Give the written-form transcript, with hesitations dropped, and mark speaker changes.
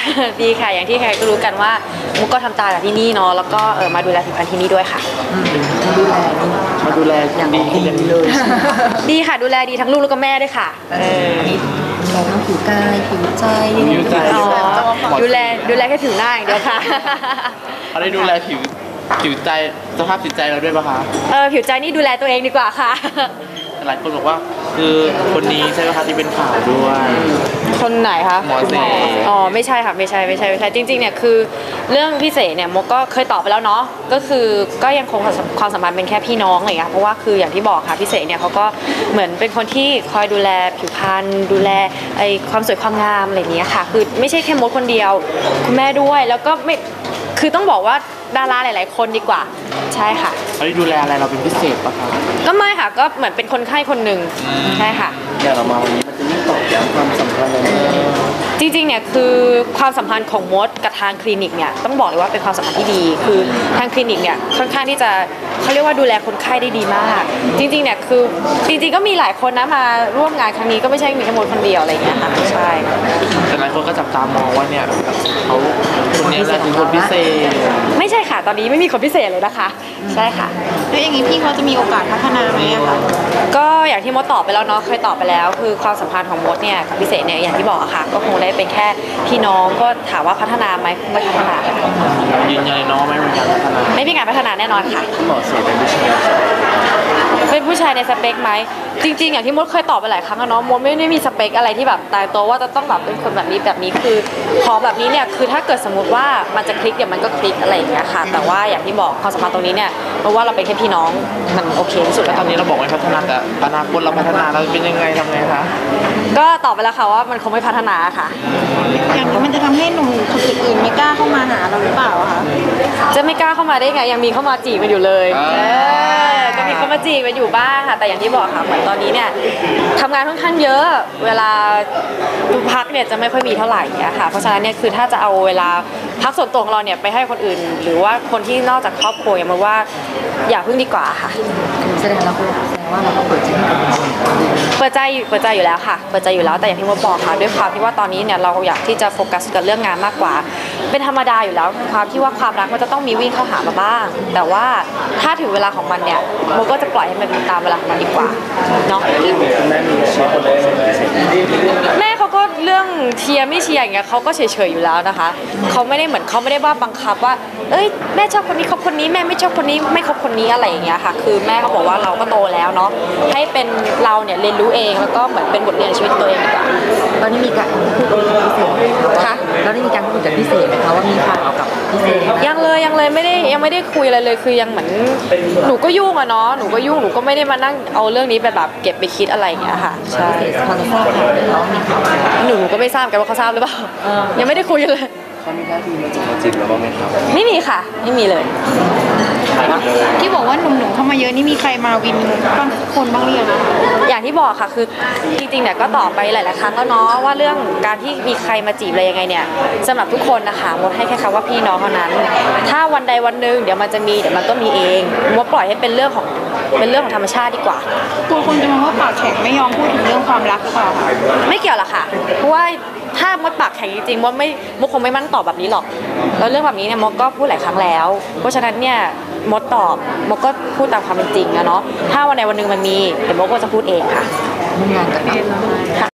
Speaker 1: ดีค่ะอย่างที่ใครก็รู้กันว่ามุกก็ทำตาจากที่นี่เนาะแล้วก็มาดูแลผิวพรรณที่นี่ด้วยค่ะ
Speaker 2: มาดูแลอย่างดีเลย
Speaker 1: ดีค่ะดูแลดีทั้งลูกแล้วก็แม่ด้วยค่ะ
Speaker 3: เราต้องผิวกายผิวใจ
Speaker 1: ดูแลแค่ผิวหน้าอย่างเดียวค่ะ
Speaker 2: เขาได้ดูแลผิวใจสภาพจิตใจเราด้วยป่ะคะ
Speaker 1: ผิวใจนี่ดูแลตัวเองดีกว่าค่ะ
Speaker 2: หลายคนบอกว่าคือคนนี้ใช่ไหมคะที่เป็นข่าวด้วย
Speaker 1: คนไหนคะ
Speaker 2: หมอเส
Speaker 1: ไม่ใช่ค่ะไม่ใช่จริงๆเนี่ยคือเรื่องพี่เสเนี่ยมกก็เคยตอบไปแล้วเนาะก็คือก็ยังคงความสัมพันธ์เป็นแค่พี่น้องอะไรอย่างเงี้ยเพราะว่าคืออย่างที่บอกค่ะพี่เสเนี่ยเขาก็เหมือนเป็นคนที่คอยดูแลผิวพรรณดูแลความสวยความงามอะไรอย่างเงี้ยค่ะคือไม่ใช่แค่มดคนเดียวคุณแม่ด้วยแล้วก็ไม่คือต้องบอกว่าดาราหลายๆคนดีกว่าใช่ค่ะ
Speaker 2: เขาได้ดูแลอะไรเราเป็นพิเศษปะคะ
Speaker 1: ก็ไม่ค่ะก็เหมือนเป็นคนไข้คนหนึ่งใช่ค่ะ
Speaker 2: อย่างเรามาวันนี้มันจะยิ่งตอกย้ำความสัมพันธ์เลย
Speaker 1: จริงๆเนี่ยคือความสัมพันธ์ของมดกับทางคลินิกเนี่ยต้องบอกเลยว่าเป็นความสัมพันธ์ที่ดีคือทางคลินิกเนี่ยค่อนข้างที่จะเขาเรียกว่าดูแลคนไข้ได้ดีมากจริงๆเนี่ยคือจริงๆก็มีหลายคนนะมาร่วมงานครั้งนี้ก็ไม่ใช่มีแค่มดคนเดียวอะไรอย่างเงี้ยค่ะใช่
Speaker 2: แต่หลายคนก็จับตามองว่าเนี่ยเขาคนนี้แหละคือคนพิเศษ
Speaker 1: ไม่ใช่ค่ะตอนนี้ไม่มีคนพิเศษเลยนะคะใช่ค่ะ
Speaker 3: แล้วอย่างนี้พี่เขาจะมีโอกาสพัฒนาไหมอะคะ
Speaker 1: ก็อย่างที่มดตอบไปแล้วเนาะเคยตอบไปแล้วคือความสัมพันธ์ของมดเนี่ยกับพิเศษเนี่ยอย่างที่บอกอะค่ะก็คงได้เป็นแค่พี่น้องก็ถามว่าพัฒนาไหมไม่พัฒนา
Speaker 2: ยืนยันเลยเนาะไม่มีการพัฒนา
Speaker 1: ไม่มีการพัฒนาแน่นอนค่ะ
Speaker 2: หมอเสเป็นผู้ชาย
Speaker 1: เป็นผู้ชายในสเปคไหมจริงๆอย่างที่มดเคยตอบไปหลายครั้งแล้วเนาะมดไม่ได้มีสเปคอะไรที่แบบตายตัวว่าจะต้องแบบเป็นคนแบบนี้คือขอแบบนี้เนี่ยคือถ้าเกิดสมมติว่ามันจะคลิกเดี๋ยวมันก็คลิกอะไรอย่างเงี้ยค่ะแต่ว่าอย่างที่บอกความสัมพันธ์ตรงนี้เนี่ยเพราะว่าเราเป็นแค่พี่น้องมันโอเคที่สุด
Speaker 2: แล้วตอนนี้เราบอกว่าพัฒนาแต่อนาคตเราพัฒนาเราเป็นยังไงทำไงคะ
Speaker 1: ก็ตอบไปแล้วค่ะว่ามันคงไม่พัฒนาค่ะ
Speaker 3: อย่างนี้มันจะทำให้หนุ่มคนอื่นๆไม่กล้าเข้ามาหาเราหรือเปล่าคะ
Speaker 1: จะไม่กล้าเข้ามาได้ไงยังมีเข้ามาจีบกันอยู่เลยก็มีเข้ามาจีบกันอยู่บ้างค่ะแต่อย่างที่บอกค่ะเหมือนตอนนี้เนี่ยทำงานค่อนข้างเยอะเวลาพักเนี่ยจะไม่ค่อยมีเท่าไหร่เนี่ยค่ะเพราะฉะนั้นเนี่ยคือถ้าจะเอาเวลาพักส่วนตัวของเราเนี่ยไปให้คนอื่นหรือว่าคนที่นอกจากครอบครัวอย่างมาว่าอย่าพึ่งดีกว่าค่ะ
Speaker 3: แสดงว่าเราก็เปิดใจให้กับคน
Speaker 1: เปิดใจอยู่แล้วค่ะเปิดใจอยู่แล้วแต่อย่างที่มดบอกค่ะด้วยความที่ว่าตอนนี้เนี่ยเราอยากที่จะโฟกัสกับเรื่องงานมากกว่าเป็นธรรมดาอยู่แล้วความที่ว่าความรักมันจะต้องมีวิ่งเข้าหามาบ้างแต่ว่าถ้าถึงเวลาของมันเนี่ยมดก็จะปล่อยให้มันตามเวลาของมันดีกว่าเนาะแม่เขาก็เรื่องเชียร์ไม่เชียร์อย่างเงี้ยเขาก็เฉยๆอยู่แล้วนะคะเขาไม่ได้เหมือนเขาไม่ได้ว่าบังคับว่าเอ้ยแม่ชอบคนนี้คบคนนี้แม่ไม่ชอบคนนี้ไม่คบคนนี้อะไรอย่างเงี้ยค่ะคือแม่เขาบอกว่าเราก็โตแล้วเนาะให้เป็นเราเนี่ยเรียนรู้เองแล้วก็เหมือนเป็นบทเรียนชีวิตตัวเองดีกว่า
Speaker 3: ตอนนี้มีการพูดคุยกับพิเศษค่ะแล้วได้มีการพูดกับพิเศษไหมคะว่ามีข่าวกับพิเศษ
Speaker 1: ยังเลยไม่ได้คุยอะไรเลยคือยังเหมือนหนูก็ยุ่งอะเนาะหนูก็ยุ่งหนูก็ไม่ได้มานั่งเอาเรื่องนี้ไปแบบเก็บไปคิดอะไรอย่างเงี้ยค่ะใช่
Speaker 3: พอจะทราบข่าวแล้วมีข่าว
Speaker 1: หนูก็ไม่ทราบกันว่าเขาทราบหรือเปล่ายังไม่ได้คุยเลย
Speaker 2: เขามีท่าทีมาจีบเราบ้างไหมครับ
Speaker 1: ไม่มีค่ะไม่มีเลย
Speaker 3: ที่บอกว่าหนุ่มๆเข้ามาเยอะนี่มีใครมาวินบางคนบ้างหรือยังคะ
Speaker 1: อย่างที่บอกค่ะคือจริงๆเนี่ยก็ตอบไปหลายๆครั้งแล้วเนาะว่าเรื่องการที่มีใครมาจีบอะไรยังไงเนี่ยสำหรับทุกคนนะคะมดให้แค่คำว่าพี่น้องเท่านั้นถ้าวันใดวันหนึ่งเดี๋ยวมันจะมีเดี๋ยวมันก็มีเองมดปล่อยให้เป็นเรื่องของธรรมชาติดีกว่า
Speaker 3: ตัวคนจะมองว่าปากแข็งไม่ยอมพูดถึงเรื่องความรักหรือเปล่าคะ
Speaker 1: ไม่เกี่ยวหรอกค่ะเพราะว่าถ้ามดปากแข็งจริงๆมดคงไม่มั่นตอบแบบนี้หรอกแล้วเรื่องแบบนี้เนี่ยมดก็พูดหลายครั้งแล้วเพราะฉะนั้นเนี่ยมดตอบมดก็พูดตามความเป็นจริงนะเนาะถ้าวันใดวันหนึ่งมันมีเดี๋ยวมดก็จะพูดเองค่ะ
Speaker 3: งานกัน